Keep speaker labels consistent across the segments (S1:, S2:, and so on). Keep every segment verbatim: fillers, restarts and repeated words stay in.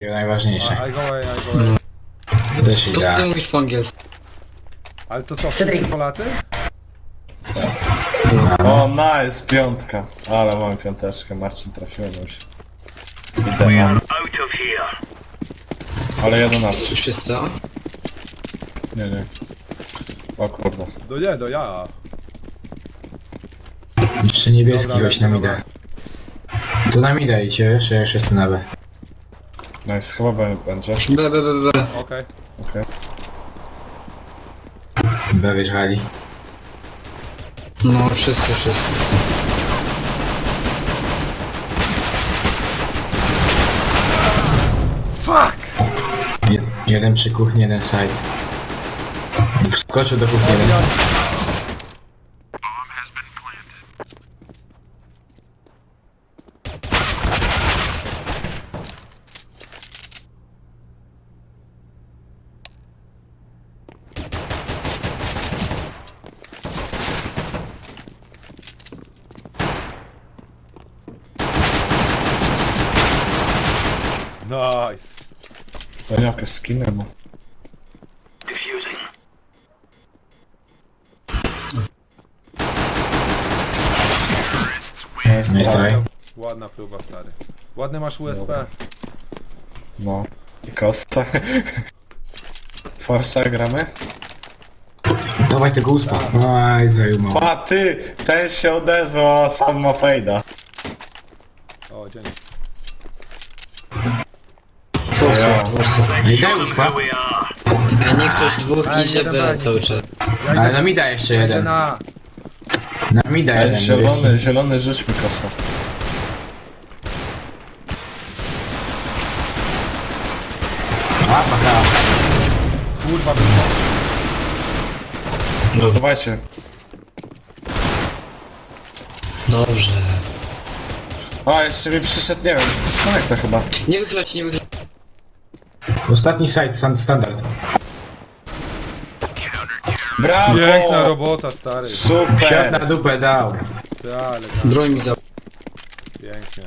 S1: Najważniejsze.
S2: I go away, I go away.
S1: Też
S3: Po co ty
S1: idę.
S3: mówisz po angielsku?
S2: Ale to co, wszyscy Polacy?
S4: O, nice, piątka. Ale mam piąteczkę, Marcin trafiłem już. Idę. Ale jedenaście.
S3: Czy wszyscy?
S4: Nie, nie. O kurde.
S2: No nie, no ja.
S1: Jeszcze niebieski
S2: Dobra,
S1: gość nam
S2: dobra.
S1: idę. To nam idę idzie, wiesz, ja już jestem na B.
S4: Nice, chyba B będzie.
S3: B, B, B, B.
S2: Okej.
S4: Okej.
S1: B wjeżdżali.
S3: No, wszyscy, wszyscy.
S2: Fuck!
S1: Je- Jeden przy kuchni, jeden side. Wskoczył do kuchni jeden.
S2: Nice.
S4: To jakieś skiny, bo... Nice,
S1: Nie straj.
S2: Ładna próba, stary. Ładny masz U S P.
S4: No. I Costa. Forza gramy?
S1: Dawaj tego uspa. Aj, zajumał.
S4: A ty! Ten się odezwał, a sam ma fejda.
S2: O, dzięki.
S3: Forza, Forza.
S1: Nie daj uspa.
S3: A nie ktoś dwóch
S2: Ej,
S3: idzie
S2: jeden
S3: B
S2: broni.
S3: cały czas.
S2: Ja
S1: Ale
S2: idę,
S1: na mida jeszcze
S2: idę
S1: jeden.
S2: na...
S1: Na mida
S4: Ej,
S1: jeden.
S4: zielony, zielony rzuć mi kosa.
S1: A, paka.
S2: Kurwa, wyszło.
S3: Dobra,
S4: Dawajcie.
S3: dobrze.
S4: A, jeszcze mi przyszedł, nie wiem, smanek to chyba.
S3: Nie wychylać, nie wychylać.
S1: Ostatni side, stan- standard.
S4: Brawo!
S2: Piękna robota, stary.
S1: Siad na
S4: Super!
S1: dupę dał.
S2: Ty, ale tak.
S3: Broń mi za...
S2: Pięknie.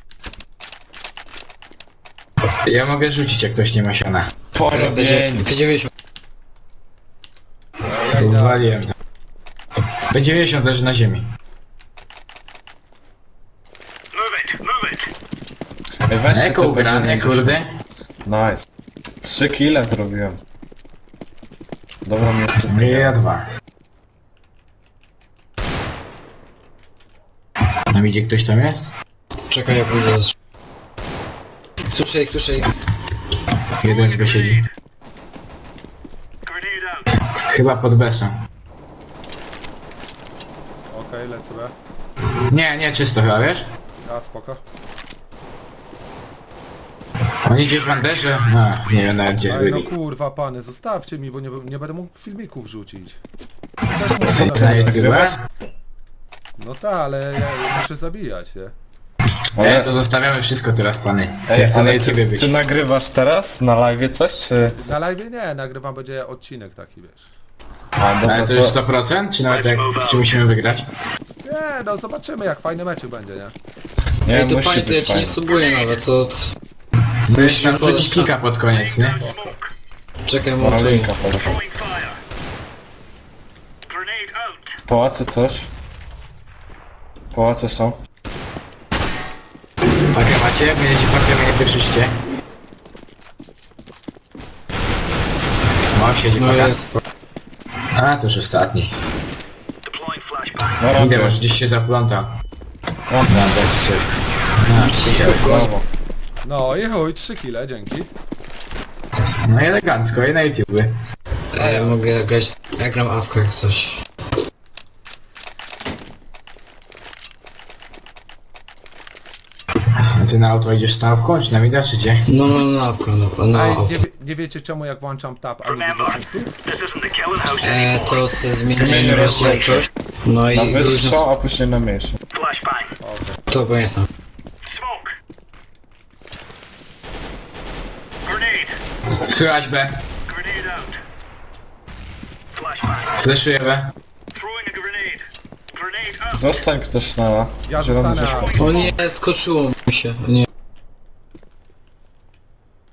S1: Ja mogę rzucić, jak ktoś nie ma siana.
S3: Będzie
S4: Porobień!
S3: P dziewięćdziesiąt.
S2: Ja idę.
S1: Uwaliłem. B dziewięćdziesiąt leży na ziemi.
S4: Ej, weźcie
S1: Eko
S4: to
S1: ugrane,
S4: będzie-
S1: kurde.
S4: Nice. Trzy kile zrobiłem. Dobra, mnie jest
S1: Nie, ja dwa. Tam idzie ktoś tam jest?
S3: Czekaj, ja pójdę do... Słyszę ich, słyszę ich.
S1: Jeden z B siedzi. Chyba pod besą.
S2: Okej, lecę B.
S1: Nie, nie, czysto chyba, wiesz?
S2: A, spoko.
S1: Oni gdzieś w Anderze? A, nie wiem nawet gdzie
S2: Ej, no
S1: byli.
S2: kurwa, pany, zostawcie mi, bo nie, nie będę mógł filmików wrzucić. Też muszę
S1: Co
S2: zabijać.
S1: za YouTuber?
S2: No tak, ale ja muszę zabijać, nie?
S1: Nie, to zostawiamy wszystko teraz, pany.
S4: Ej,
S1: Ja chcę na
S4: ale
S1: YouTubie
S4: ty,
S1: być.
S4: ty nagrywasz teraz na live coś, czy...
S2: Na live nie, nagrywam, będzie odcinek taki, wiesz.
S4: A, dobra,
S1: Ale to jest sto procent? Czy nawet jak, czy musimy wygrać?
S2: Nie, no zobaczymy, jak fajny mecz będzie, nie?
S4: Nie,
S3: Ej, to
S4: musi
S3: panie, to ja
S4: być
S3: ci nie
S4: fajnie.
S3: subuję nawet, to...
S1: No jeszcze nam wrzucić klika pod koniec, nie?
S3: Czekaj,
S4: No,
S3: montuję.
S4: linka podam. Pałace coś? Pałace są?
S1: Pakę macie? Będziecie pakę mnie pierwszyście. No, siedzi
S3: No
S1: paka.
S3: jest.
S1: A, to już ostatni.
S4: No
S1: Idę,
S4: robię.
S1: może gdzieś się zaplątał.
S4: No, brawo.
S2: No i chuj, trzy kile, dzięki.
S1: No i elegancko, i na YouTube.
S3: A ja mogę grać... Ja gram awkę jak coś.
S1: A ty na auto idziesz stawką, czy na mida, czy gdzie?
S3: No, no, no, awka, no, no,
S2: Ej,
S3: awka.
S2: nie, wie- nie wiecie czemu jak włączam tab, a nie widzę punktów?
S3: E, to se zmieniłem rozdzielczość. No
S4: Na
S3: i różne...
S4: wyższą, a później na mniejszą.
S3: To pamiętam.
S1: Słychać B. Słyszyję B.
S4: Zostań ktoś na...
S2: Ja
S4: zielony
S2: zostanę,
S4: rzeczko.
S3: O nie, skoczyło mi się, nie.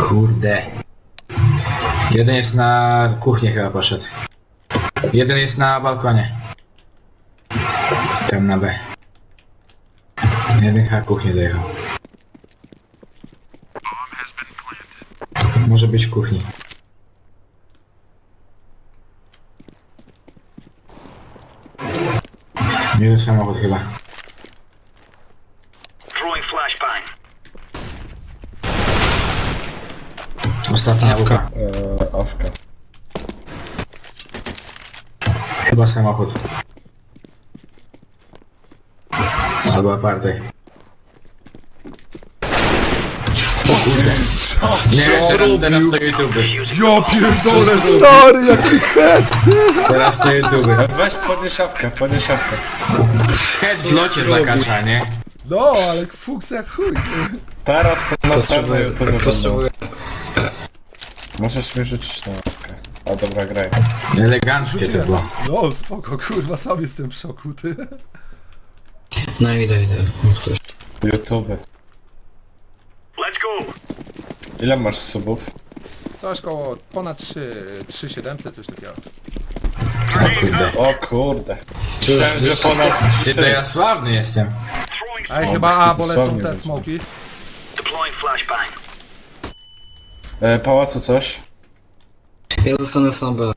S1: Kurde. Jeden jest na kuchnię chyba poszedł. Jeden jest na balkonie. Tam na B. Jeden chyba kuchnię dojechał. Może być w kuchni. Jeden samochód chyba.
S5: Throwing flashbang.
S1: Ostatnia
S3: Awka.
S1: łuka.
S4: Eee, awka.
S1: Chyba samochód. Albo aparty. O kurde. Nie, teraz, teraz to YouTube.
S2: Ja pierdolę, stary, jaki head!
S1: Teraz to YouTube.
S4: Weź podnieś szafkę, podnieś szafkę.
S1: Head w locie zakacza, nie?
S2: No, ale fuks jak chuj.
S4: Teraz to na pewno
S3: Potrzebuję,
S4: YouTube będą.
S3: potrzebuję.
S4: Możesz mi rzucić na ławkę. A dobra, graj.
S1: Eleganckie to było.
S2: No, spoko, kurwa, sam jestem w szoku, ty.
S3: No idę, idę. Mów coś.
S4: YouTube.
S5: Let's go.
S4: Ile masz subów?
S2: Coś koło ponad trzy, trzy siedemset, coś takiego.
S1: O kurde.
S4: O kurde.
S3: Czy już
S4: Myślałem, że
S3: wiesz,
S4: ponad
S1: Ty to
S4: trzy.
S1: ja sławny jestem.
S5: Throwing
S2: Ej,
S4: O,
S2: chyba
S4: bez
S2: A,
S4: kitu
S2: bo lecą
S4: sławnie
S2: te
S4: będzie.
S2: smoki.
S5: deploying flashbang.
S4: E, pałacu coś?
S3: ja zostanę sam B.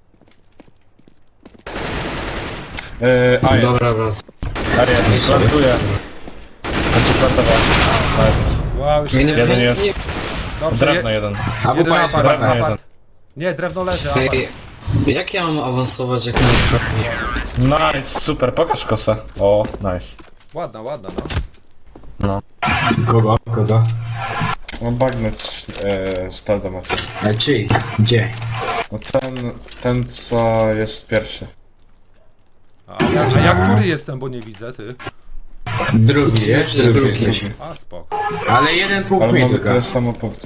S4: E, a jest.
S3: Dobra, wracam.
S4: A jest. Plantuję. Będzie plantował.
S2: Wow, już
S3: Nie, nie,
S4: Jeden
S3: nic
S4: jest.
S3: nie...
S2: dobrze,
S4: Drewno
S2: je,
S4: jeden.
S1: A
S2: jeden
S1: bupa jest
S2: apart,
S1: chyba
S4: drewno
S2: apart. Nie, drewno leży, apart.
S3: Ej, jak ja mam awansować, jak mam sprawdzić?
S4: Nice, super, pokaż kosę. O, nice.
S2: Ładna, ładna, no.
S4: No.
S1: Kogo? Kogo?
S4: Mam bagnet e, stal do macy.
S1: Ale czyj? Gdzie?
S4: No ten, ten co jest pierwszy.
S2: A ja, a ja który jestem, bo nie widzę, ty.
S1: Drugi jest?
S3: Jesteś
S1: Drugi
S3: drugi.
S1: jesteśmy.
S2: A, spoko.
S1: Ale jeden punkt
S4: Ale
S1: mi
S4: mamy
S1: tylko.
S4: tyle samo punktów.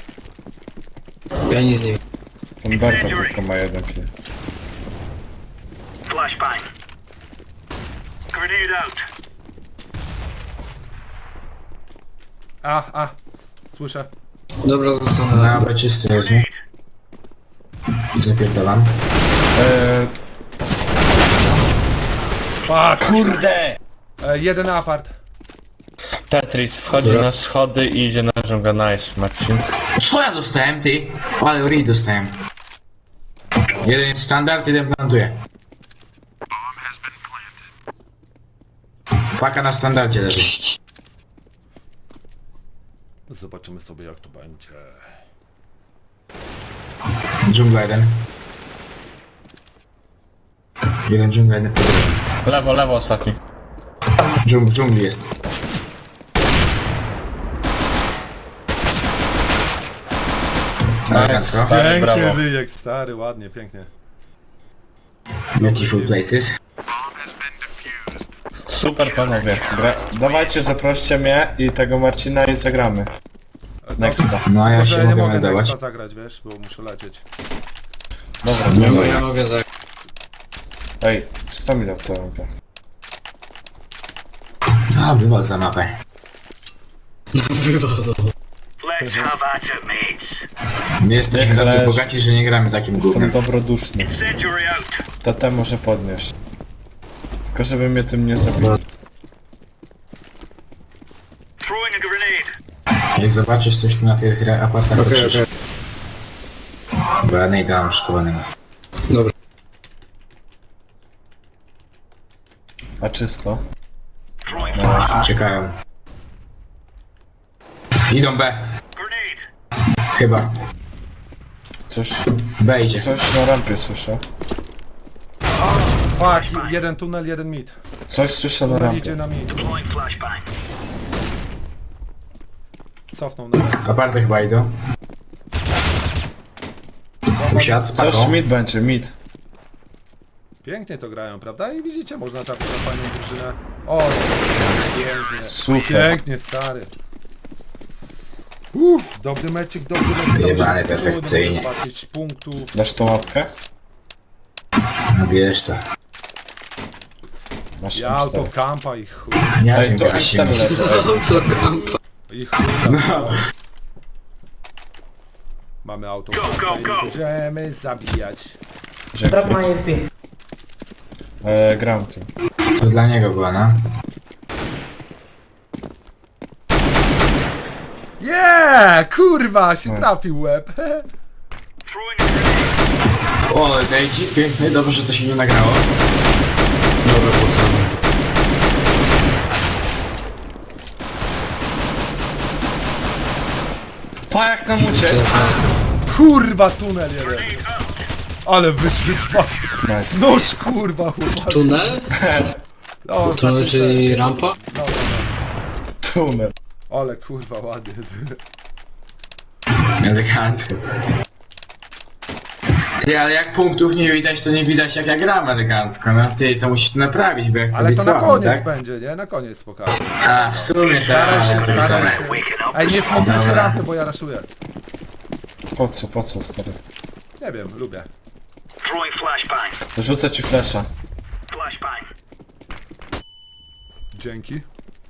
S3: Ja nic nie wiem.
S4: Ten Berta tylko ma jeden kill.
S5: Flashbang. Grenade out.
S2: A, a, s- słyszę.
S3: Dobra, zostanę
S1: Na
S3: na
S1: B czysty jest, nie? Zapierdalam.
S4: E,
S2: Fuck!
S4: kurde!
S2: E, jeden apart.
S4: Tetris wchodzi
S3: Dobra.
S4: na schody i idzie na żonga. Nice, Marcin.
S1: Co ja dostałem, ty? Ale read dostałem. Jeden jest standard, jeden plantuje. Paka na standardzie leży.
S2: Zobaczymy sobie, jak to będzie.
S1: Dżungla jeden. Jeden dżungla, jeden po drugie.
S4: Lewo, lewo ostatni.
S1: Dżung, w dżungli jest. Elegancko.
S4: Stary,
S2: Pięknie
S4: brawo.
S2: ryjek, stary, ładnie, pięknie.
S1: Beautiful places.
S4: Super panowie. Gra... Dawajcie, zaproście mnie i tego Marcina i zagramy. Nexta.
S1: No a ja
S2: Może
S1: się
S2: nie
S1: mogę
S2: mogę
S1: meldować.
S2: Nexta zagrać, wiesz, bo muszę lecieć.
S4: Dobra,
S3: Ja,
S4: dobra.
S3: ja mogę za...
S4: Ej, kto mi dał tę lampę?
S1: A, wywal za mapę.
S3: Wywodzą.
S5: Let's have at it, mates.
S1: My jesteśmy
S4: Niech
S1: tacy
S4: leży.
S1: bogaci, że nie gramy takim
S4: Jestem
S1: gównem.
S4: dobroduszny.
S5: Incendiary out.
S4: T T może podnieść. Tylko żeby mnie tym nie zabił.
S5: Throwing a grenade.
S1: Jak zobaczysz coś tu na tych re- apartach, to
S3: Okej,
S1: krzycz.
S3: okej.
S1: Bo ja nie dam szkowanego.
S3: Dobra.
S4: A czysto?
S5: Throwing
S1: No,
S5: flash.
S1: czekają. Idą B.
S5: Grenade.
S1: Chyba.
S4: Coś,
S1: B idzie.
S4: coś na rampie słyszę.
S2: Fuck, jeden tunel, jeden mid.
S4: Coś słyszę na
S2: Tunel idzie
S4: rampie.
S2: na mid.
S5: Deploying flashbang.
S2: Cofnął na mid.
S1: Aparty chyba idą. Usiadł z
S4: Coś
S1: paką.
S4: mid będzie, mid.
S2: Pięknie to grają, prawda? I widzicie, można trafić na fajną drużynę. O, pięknie.
S4: Super.
S2: Pięknie, stary. Uff, dobry meczik, dobry meczik.
S1: Wyjebane
S2: Dobrze,
S1: perfekcyjnie.
S2: trudno zobaczyć punktów.
S4: Dasz tą łapkę?
S1: No wiesz to.
S4: Masz
S2: Ja
S4: M cztery.
S2: autokampa i chuj.
S1: Nie
S4: Ej,
S1: wiem,
S4: to
S1: jak
S4: M
S1: się
S4: cztery leży. ej.
S3: To kampa.
S2: I chuj.
S1: No.
S2: Mamy auto.
S5: Go, go, go.
S2: Możemy zabijać.
S4: Dzięki.
S6: Drop my F P.
S4: E, gram tu.
S1: To dla niego była, no.
S2: Yeah! Kurwa, się trafił łeb.
S5: Throwing a grenade.
S1: O, dajcie, piękny, dobrze, że to się nie nagrało.
S3: Dobra, pokażę.
S4: Pa jak tam
S3: To
S4: uciekł!
S3: jest na...
S2: Kurwa, tunel jeden. Ale wyszły dwa.
S4: Nice.
S2: Noż kurwa, chłopak.
S3: Tunel?
S2: No,
S3: Tunel,
S2: znaczy,
S3: czyli
S2: że-
S3: rampa?
S2: No, no,
S4: Tunel.
S2: no. Ale kurwa, ładnie.
S1: Elegancko. Ty, ale jak punktów nie widać, to nie widać jak ja gram elegancko, no. Ty, to musisz to naprawić, bo ja chcę
S2: Ale
S1: być
S2: to na
S1: słaby,
S2: koniec
S1: tak?
S2: będzie, nie? Na koniec pokażę.
S1: A, w sumie
S2: Staraj się,
S1: tak,
S2: staraj
S1: tak.
S2: się. Ej, nie smokujcie
S1: Dobra.
S2: rampy, bo ja raszuję.
S4: Po co, po co stary?
S2: Nie wiem, lubię.
S5: Throwing flashbang.
S4: Rzucę ci flesza.
S5: Flashbang.
S2: Dzięki.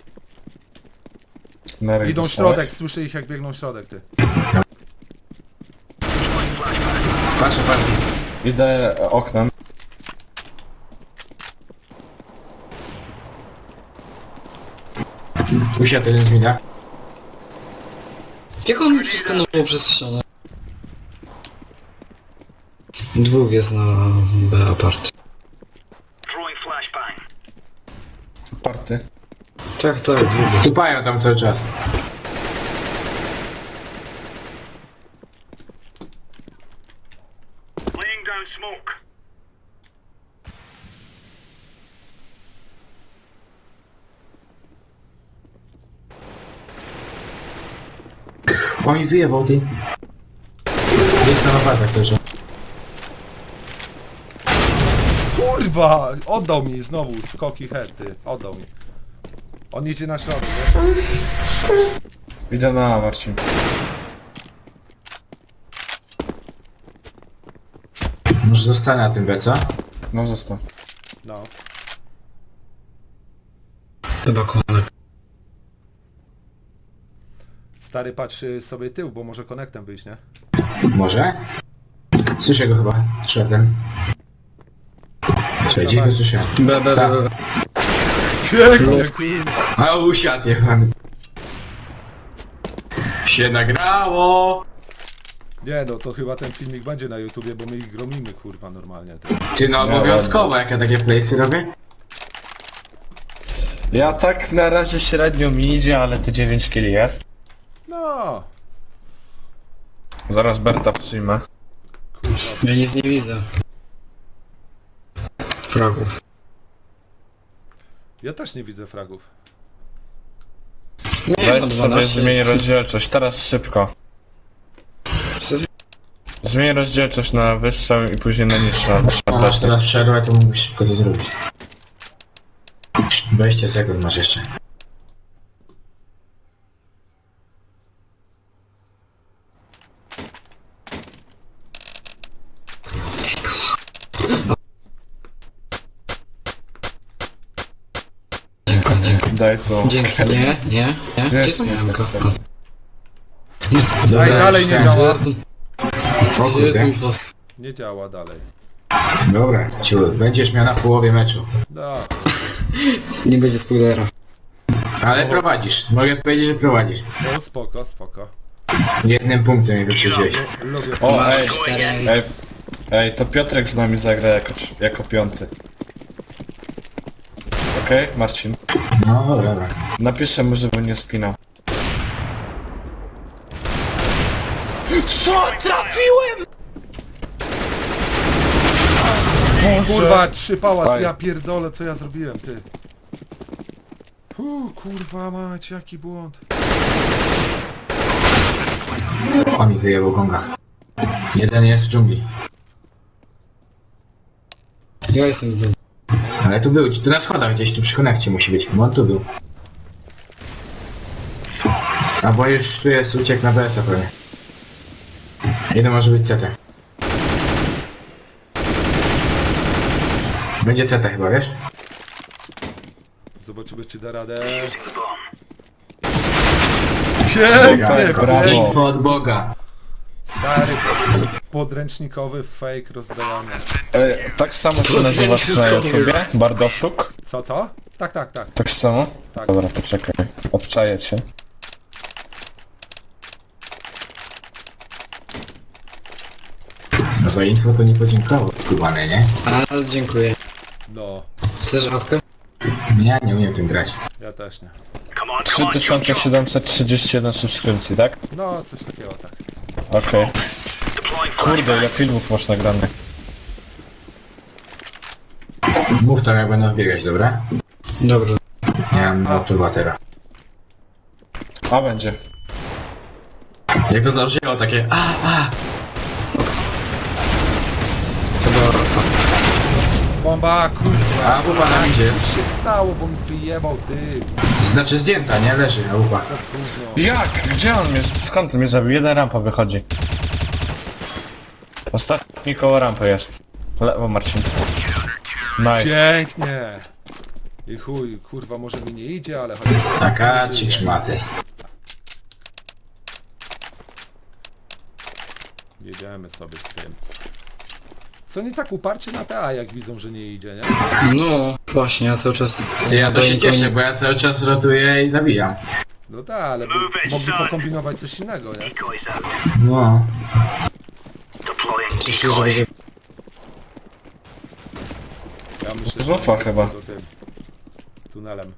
S4: Na ryj
S2: Idą
S4: dostałeś?
S2: środek, słyszę ich jak biegną środek, ty.
S1: Patrzę, patrzę.
S4: Idę oknem.
S1: Usiadł jeden z mina.
S3: Jak on przeskanował przez ścianę? Dwóch jest na B apart.
S5: Throwing flashbang.
S4: Party.
S3: Tak, tak, dwóch jest.
S1: Kupają tam cały czas.
S5: Laying down smoke.
S1: O, mi wyjebał, ty. Jest na napadach cały czas.
S2: Kurwa! Oddał mi znowu skoki head, ty. Oddał mi. On idzie na środek, wiesz?
S4: Idę na A, Marcin.
S1: Może zostanę na tym B, co?
S4: No zostaw.
S2: No.
S3: Chyba konek.
S2: Stary patrzy sobie tył, bo może konektem wyjść, nie?
S1: Może? Słyszę go chyba, szedłem. Słuchaj, gdzieś go słyszałem.
S3: B, B,
S1: Tak.
S3: B, B.
S2: Pięknie, kurwa.
S1: A usiadł jechany. Się nagrało!
S2: Nie no, to chyba ten filmik będzie na YouTubie, bo my ich gromimy, kurwa, normalnie. Ty.
S1: Ty, no obowiązkowo, jak ja takie playsy robię.
S4: Ja tak na razie średnio mi idzie, ale te dziewięć kili jest.
S2: No.
S4: Zaraz Berta przyjmę.
S2: Kurwa.
S3: Ja nic nie widzę. Fragów.
S2: Ja też nie widzę fragów.
S3: Nie,
S4: Weź
S3: no
S4: sobie
S3: dwanaście.
S4: zmień rozdzielczość, teraz szybko.
S3: Przez-
S4: Zmień rozdzielczość na wyższą i później na niższą.
S1: A masz teraz przerwę, to mógłbyś szybko to zrobić. dwadzieścia sekund masz jeszcze.
S3: Dziękuję, dziękuję.
S4: Daj to.
S3: Dzięki, nie, nie, nie. Gdzie są jajka?
S2: Ej, dalej nie działa.
S3: Jezu, z was.
S2: Nie działa dalej.
S1: Dobra, ciu, będziesz miał na połowie meczu.
S2: Da.
S3: Nie będzie spoilera.
S1: Ale prowadzisz, mogę powiedzieć, że prowadzisz.
S2: No spoko, spoko.
S1: Jednym punktem mnie wyprzedziłeś.
S2: Lubię.
S4: O,
S3: Masz
S4: ej,
S3: cztery.
S4: ej, ej, to Piotrek z nami zagra jako, jako piąty. Okej, Marcin.
S1: No dobra, dobra.
S4: Napiszę mu, żeby nie spinał. Co? Trafiłem!
S2: Kurwa, trzy pałac,
S4: Fajnie.
S2: ja pierdolę, co ja zrobiłem, ty. Uu, kurwa mać, jaki błąd.
S1: O, mi wyjebał gonga. Jeden jest w dżungli.
S3: Ja jestem w dół.
S1: Ale tu był, tu na schodach gdzieś, tu przy konekcie musi być, bo on tu był. A bo już tu jest uciek na B S a pewnie. Jeden może być C T. Będzie C T chyba, wiesz?
S2: Zobaczymy, czy da radę.
S5: Using the bomb.
S2: Pięknie,
S4: Brawo.
S2: pięknie.
S1: Info od Boga.
S2: Stary, podręcznikowy fake rozdajania.
S4: E, tak samo się nazywasz na YouTubie? Bardoszuk?
S2: Co, co? Tak, tak, tak.
S4: Tak samo?
S2: Tak.
S4: Dobra, to czekaj. Obczaję cię.
S1: No za info to nie podziękował, skubany, nie?
S3: Ale dziękuję.
S2: No,
S3: Chcesz awkę?
S1: Ja nie umiem tym grać.
S2: ja też nie.
S5: Come on,
S4: trzy
S5: come on,
S4: tysiące
S5: jump, jump.
S4: siedemset trzydzieści jeden subskrypcji, tak?
S2: No, coś takiego, tak.
S4: Okej.
S5: Deploying
S4: Kurde, ile
S5: flashbang.
S4: filmów masz nagranych?
S1: Mów tam jak będą biegać, dobra?
S3: Dobra.
S1: Nie mam obserwatera.
S4: A będzie.
S1: Jak to założyło takie a, a!
S3: Chyba...
S2: Bomba, kurwa.
S1: A wupa nam idzie.
S2: Co się stało, bo mi wyjebał ty.
S1: Znaczy zdjęta, nie? Leży, a wupa.
S2: Za trudno.
S4: Jak? Gdzie on mnie? Skąd mnie zabił? Jeden rampa wychodzi. Ostatni koło rampy jest. Lewo, Marcin. Nice.
S2: Pięknie. I chuj, kurwa, może mi nie idzie, ale chociaż...
S1: Taka ci szmaty.
S2: Jedziemy sobie z tym. Co nie tak uparcie na te A, jak widzą, że nie idzie, nie?
S3: No, właśnie, ja cały czas...
S1: Ty, ja to się
S3: nikogo
S1: cieszę,
S3: nie-
S1: bo ja cały czas rotuję i zabijam.
S2: No tak, ale by, mogli pokombinować coś innego, nie?
S5: Decoys out.
S1: No.
S5: Deploying
S3: Cieszę się, że
S5: decoy.
S3: będzie...
S2: Ja myślę,
S4: Zofa
S2: że
S4: chyba.
S2: do tym tunelem.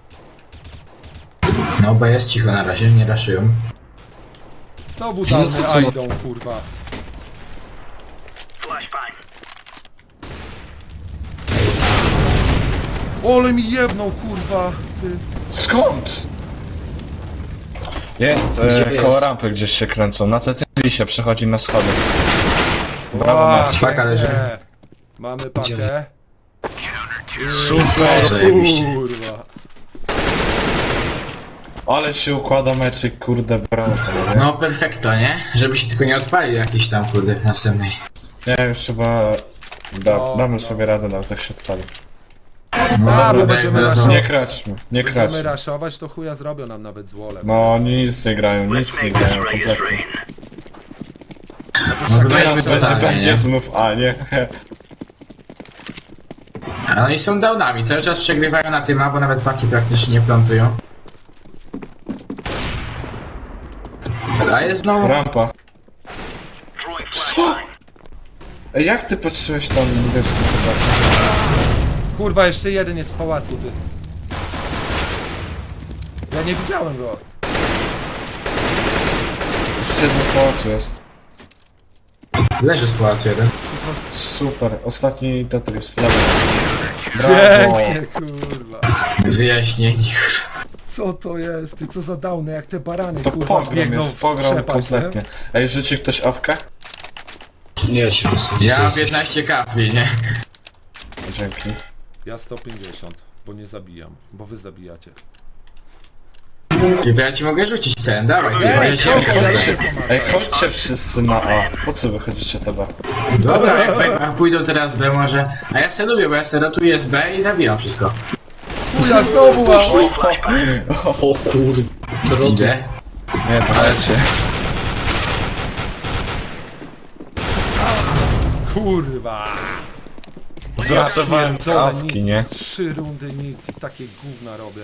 S1: No bo jest cicho na razie, nie raszują.
S2: Znowu
S3: No
S2: dawny
S3: co,
S2: A
S3: co?
S2: idą, kurwa.
S5: Flashbang.
S2: Ole mi jebnął, kurwa. Ty.
S4: Skąd? Jest,
S3: Gdzie
S4: e,
S3: jest?
S4: koło rampy gdzieś się kręcą. Na te się przechodzi na schody. Brawo,
S2: Ła,
S4: Marcin.
S1: Paka leży.
S2: pięknie. Mamy pakę.
S1: Super, zajebiście.
S2: Kurwa.
S4: Ale się układa meczyk, kurde, brawo, panowie.
S1: No perfekto, nie? Żeby się tylko nie odpalił jakiś tam kurde w następnej.
S4: Nie, już chyba... Da,
S2: No,
S4: damy
S2: no.
S4: sobie radę, nawet jak się odpali.
S1: No
S2: A, bo
S1: dobra,
S2: będziemy
S1: zaraz-
S2: raszować.
S4: Nie kraczmy, nie
S2: Będziemy
S4: kraczmy.
S2: raszować, to chuja zrobią nam nawet z wolem.
S4: No, oni nic nie grają, nic
S5: Let's
S4: nie
S5: make this
S4: grają
S5: rain as
S4: kompletnie.
S5: rain.
S1: No to
S4: Teraz
S1: jest
S4: będzie
S1: totalnie,
S4: będzie
S1: nie?
S4: znów, a nie.
S1: A oni są downami, cały czas przegrywają na tym, bo nawet paki praktycznie nie plantują. A jest znowu...
S4: Rampa.
S5: Throwing flashbang.
S4: Ej, jak ty patrzyłeś tam niebieską chyba?
S2: Kurwa, jeszcze jeden jest w pałacu, ty. Ja nie widziałem go.
S4: Jeszcze jeden po oczy jest.
S1: Leży z pałacu jeden.
S4: Super, ostatni Tetris. Lewy. Brawo!
S2: Pięknie, kurwa.
S1: Wyjaśnieni.
S2: Co to jest? Ty co za downy, jak te barany,
S4: To
S2: kurwa,
S4: pogrom
S2: biegną
S4: jest,
S2: w
S4: pogrom
S2: przepaść,
S4: kompletnie. Ej, rzuci ktoś awkę?
S3: Nie, się
S1: Ja mam piętnaście kafli, nie?
S4: Dzięki.
S2: Ja sto pięćdziesiąt, bo nie zabijam, bo wy zabijacie.
S1: Ty, to ja ci mogę rzucić ten, dawaj, ty, bo ja się
S2: spoko, ja
S1: wychodzę.
S2: się pomagam.
S4: Ej, chodźcie wszyscy na A. Po co wychodzicie te B?
S1: Dobra, jak jak pójdą teraz B może... A ja se lubię, bo ja se rotuję z B i zabijam wszystko.
S2: Chuja, znowu, a...
S3: O kurde. To rotu.
S1: Idę.
S4: Nie, to lecie.
S2: Kurwa.
S4: Zraszowałem z
S2: pierdolę,
S4: awki,
S2: nic,
S4: nie?
S2: Trzy rundy nic i takie gówna robię.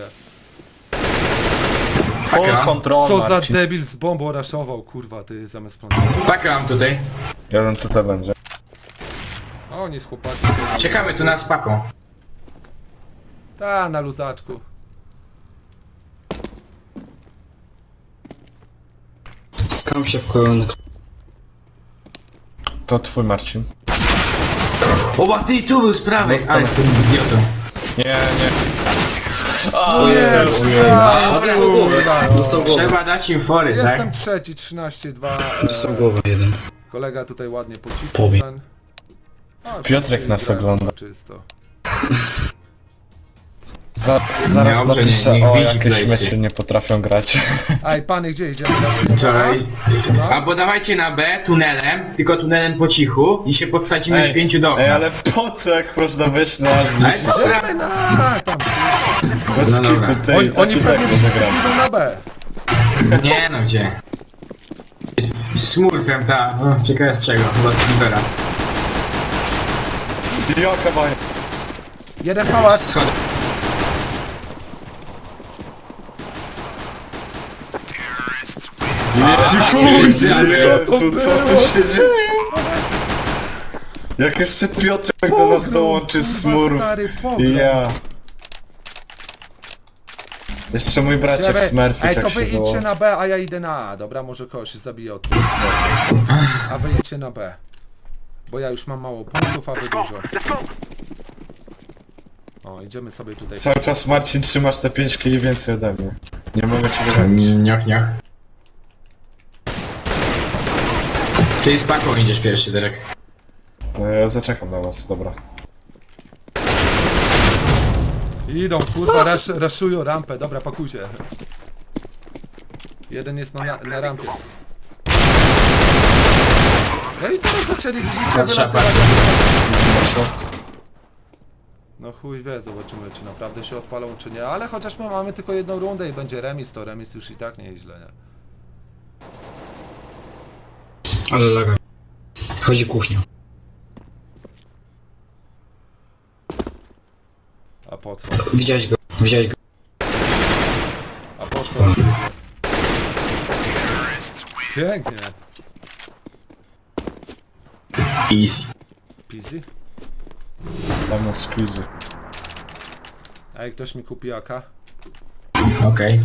S4: Full
S1: Taka.
S4: control,
S2: Co za
S4: Marcin.
S2: debil z bombą raszował, kurwa, ty zamiast plantować.
S1: Pakę mam tutaj.
S4: Ja wiem co to będzie.
S2: A oni z chłopaki...
S1: Czekamy tu nad paką.
S2: Ta, na luzaczku.
S3: Skam się w koronek.
S4: To twój Marcin.
S1: O, ty tu był z prawej!
S4: No,
S1: Ale jestem idiotą.
S4: Nie, nie.
S3: Ojej, ojej. A dostał głowę. Dostał głowę.
S1: Trzeba dać im fory,
S2: Jestem
S1: tak?
S2: trzeci, trzynaście dwa.
S3: Dostał głowę jeden.
S2: Kolega tutaj ładnie pocisnął
S3: Powie.
S2: ten. A,
S4: Piotrek
S2: wszyscy
S4: nas
S2: grają
S4: ogląda.
S2: Czysto.
S4: Za, zaraz
S1: Dobrze,
S4: napiszę,
S1: niech
S4: o
S1: widzi
S4: jakieś
S1: place'y.
S4: mecze nie potrafią grać.
S2: Aj, pany, gdzie idziemy? Na
S1: Wczoraj.
S2: No.
S1: Albo dawajcie na B tunelem, tylko tunelem po cichu i się podsadzimy w pięciu do
S4: ej,
S1: okna.
S4: ale po co jak można wejść na
S1: Ale
S4: zniszczyć?
S1: co?
S2: Idziemy na... tam.
S4: Bez
S1: No dobra.
S4: kitu, tej,
S2: Oni, oni
S4: taki
S2: pewnie
S4: tak
S2: wszyscy
S4: zagram.
S2: idą na B.
S1: Nie no gdzie? Smurfem, ta, no, ciekawe z czego, chyba z Silvera.
S4: Jaka baja.
S2: Jeden pałac.
S1: Schody.
S4: Kurde,
S1: ale-
S4: co, co tu się dzieje? Jak jeszcze Piotrek do nas dołączy z
S2: Kurwa,
S4: smurf.
S2: stary, pogrom.
S4: I ja. Jeszcze mój braciak
S2: Czekaj,
S4: Smurfik
S2: ej, to
S4: jak
S2: wy
S4: się
S2: idźcie
S4: dołączy.
S2: na B, a ja idę na A. Dobra, może kogoś się zabije od tyłu. A wy idźcie na B. Bo ja już mam mało punktów, a wy dużo.
S5: Let's go.
S2: O, idziemy sobie tutaj.
S4: Cały czas Marcin trzymasz te pięć kili więcej ode mnie. Nie mogę cię dogonić.
S1: Nioch, nioch. Ty z paką idziesz pierwszy, Derek.
S4: No, ja zaczekam na was, dobra.
S2: Idą, kurwa, rasz, raszują rampę. Dobra, pakujcie. Jeden jest na, na rampie. No i teraz zaczęli, widzicie,
S1: Patrzę,
S2: wylatywać.
S1: patrzę.
S2: No chuj wie, zobaczymy czy naprawdę się odpalą czy nie, ale chociaż my mamy tylko jedną rundę i będzie remis, to remis już i tak nie jest źle, nie?
S3: Ale laga. Chodzi kuchnia.
S2: A po co?
S3: Widziałeś go, widziałeś go.
S2: A po co? Pięknie.
S1: Easy.
S2: Pizzy?
S4: Tam na squeezy.
S2: Ej, ktoś mi kupi A K?
S1: Okej.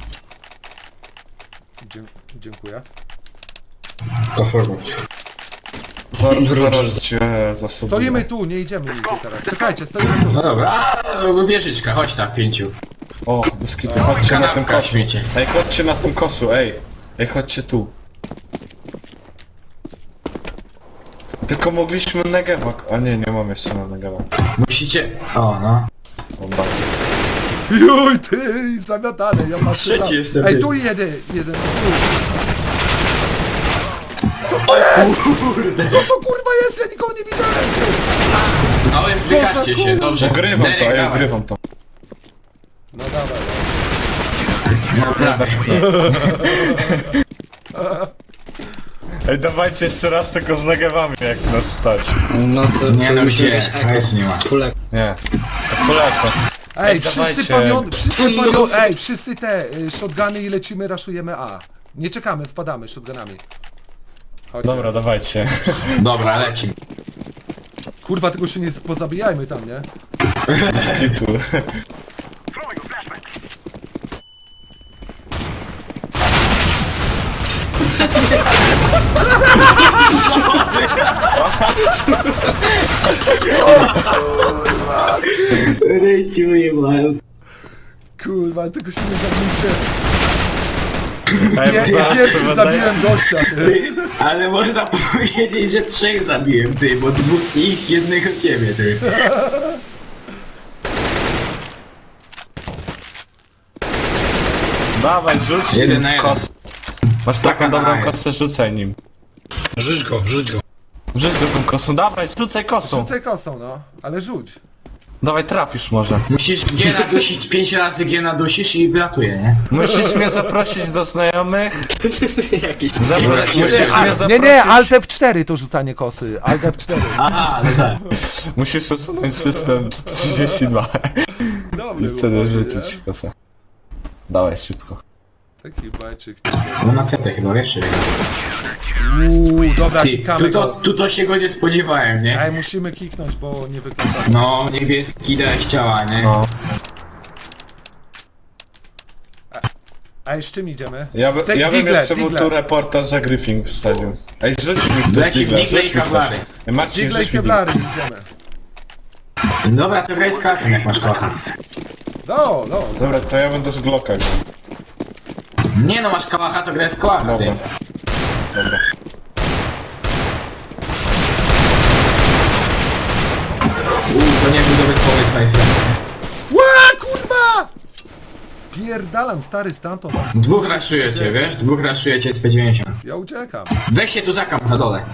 S2: Dzie dziękuję.
S1: Go forward.
S4: Zaraz, zaraz cię zasobuję.
S2: Stoimy tu, nie idziemy nigdzie teraz. Czekajcie, stoimy tu.
S1: No dobra, a wieżyczka, chodź tam w pięciu.
S4: O, biskity, chodźcie na tym
S1: Kanapka,
S4: kosu.
S1: śmiecie.
S4: Ej, chodźcie na tym kosu, ej. Ej, chodźcie tu. Tylko mogliśmy Negewa... A nie, nie mam jeszcze na Negewa.
S1: Musicie... O, no.
S4: Dobra.
S2: Juj, ty, zamiatane, ja patrzę
S1: Trzeci
S2: tam.
S1: jestem,
S2: Ej,
S1: ty.
S2: tu jeden, jeden, tu. Co to jest? Co to kurwa jest? Ja nikogo nie widziałem, ty.
S1: No i wykażcie się,
S2: kurwa?
S1: dobrze.
S4: Ugrywam to,
S1: Derek,
S4: ej,
S1: dawaj.
S4: ugrywam to.
S2: No dawaj.
S1: No prawie.
S4: Ej, dawajcie jeszcze raz tylko z Negewami, jak nas stać.
S3: No to,
S1: Nie,
S3: to
S1: no
S3: musimy
S1: gdzie?
S3: mieć
S1: A
S3: eko.
S1: już nie ma.
S3: Fulek.
S4: Nie. To fuleko.
S2: Ej,
S4: Ej,
S2: wszyscy
S4: dawajcie.
S2: pamion... Wszyscy
S3: No.
S2: pamion... Ej, wszyscy te y, shotguny i lecimy, raszujemy A. Nie czekamy, wpadamy shotgunami. Chodźcie.
S4: Dobra, dawajcie.
S1: Dobra, lecimy.
S2: Kurwa, tylko się nie pozabijajmy tam, nie?
S4: Skitu.
S5: Throwing a flashbang.
S1: Rejciuję, mam.
S2: Kurwa, tylko się nie zabijcie.
S4: Ej,
S2: Ja,
S4: bo
S2: ja
S4: zaraz
S2: pierwszy
S4: chyba
S2: zabiłem
S4: daję-
S2: gościa. ty.
S1: Ale można powiedzieć, że trzech zabiłem, ty, bo dwóch ich, jednego ciebie, ty.
S4: Dawaj, rzuć
S1: Jeden
S4: nim
S1: na jeden.
S4: kos. Masz taką
S1: Taka na
S4: dobrą
S1: jeden.
S4: kosę, rzucaj nim.
S3: Rzuć go, rzuć go.
S4: Rzuć go tą kosą, dawaj, rzucaj kosą.
S2: Rzucaj kosą, no. Ale rzuć.
S4: Dawaj, trafisz może.
S1: Musisz G nadusić, pięć razy G nadusisz i wylatuje, nie?
S4: Musisz mnie zaprosić do znajomych.
S3: Jakiś...
S4: Zapra-
S1: Dobra,
S4: musisz
S1: nie,
S4: mnie
S2: Nie,
S4: zaprosić.
S2: nie, Alt F cztery to rzucanie kosy. Alt F cztery.
S1: Aha, no tak.
S4: Musisz usunąć system trzydzieści dwa.
S2: Dobry
S4: I
S2: był,
S4: wtedy
S2: dobry,
S4: rzucić kosę. Dawaj, szybko.
S2: nie? Taki bajczyk.
S1: No na C T chyba, wiesz, czy
S2: Uuu, dobra,
S1: Ty,
S2: kikamy
S1: tu to,
S2: go.
S1: tu to się go nie spodziewałem, nie?
S2: Ej, musimy kiknąć, bo nie wykluczamy.
S1: No, niebieski dałeś ciała, nie?
S4: No.
S2: Ej, z czym idziemy?
S4: Ja, by,
S2: Te-
S4: ja bym
S2: digle,
S4: jeszcze mu
S2: digle.
S4: tu reportaż za Griffin wstawił. Ej, rzuć mi ktoś
S1: Leci
S4: digle,
S1: digle i
S4: rzuć mi
S1: kawlary.
S4: ktoś. Ej, Marcin,
S2: Digle i
S4: rzuć mi digle.
S2: kevlary, idziemy.
S1: Dobra, to graj z kartą, jak masz kocha.
S2: No, no.
S4: Dobra, to ja będę z Glocka grał.
S1: Nie no, masz kałacha, to graj z kołacha, ty.
S4: Dobra. Dobra.
S1: Uuu, to nie był dobry pomysł, majster.
S2: Ła, kurwa! Spierdalam, stary, stamtąd.
S1: Dwóch raszujecie, wiesz? Dwóch raszujecie z P dziewięćdziesiąt.
S2: Ja uciekam.
S1: Weź się tu zakam na dole.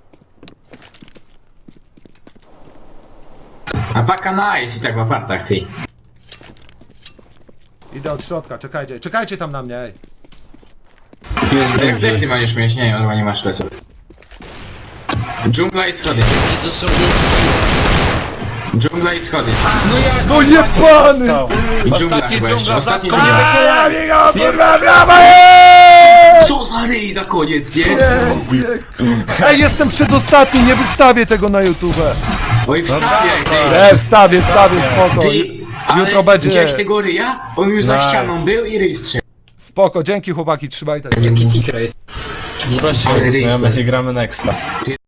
S1: A paka na jest i tak w apartach, ty.
S2: Idę od środka, czekajcie. Czekajcie tam na mnie, ej.
S3: Jest w
S1: Jak ty
S3: dżungli.
S1: maniesz mieć? Nie, on nie masz leców. Dżungla i schody.
S3: I to są górski.
S1: Dżungla i schody.
S2: No jebany!
S4: Stał.
S1: I dżungla
S6: Ostatni
S1: chyba jeszcze.
S6: dżungla,
S1: Ostatni
S6: zatko-
S1: dżungla.
S2: Kurwa, brawa, eee!
S1: Co za ryj na koniec, nie?
S2: Ej, jestem przedostatni, nie wystawię tego na YouTube.
S1: Oj, wstawiaj, ty.
S2: Ej, wstawię, wstawię, spoko.
S1: Ty, ale
S2: Jutro będzie...
S1: widziałeś tego ryja? On już za
S4: Nice.
S1: ścianą był i ryj strzelił.
S2: Spoko, dzięki chłopaki, trzymaj tak.
S3: Jaki tikrate.
S4: Zobaczcie,
S1: Ale
S4: jak
S1: ryj
S4: znajomych
S1: spadł.
S4: i gramy nexta.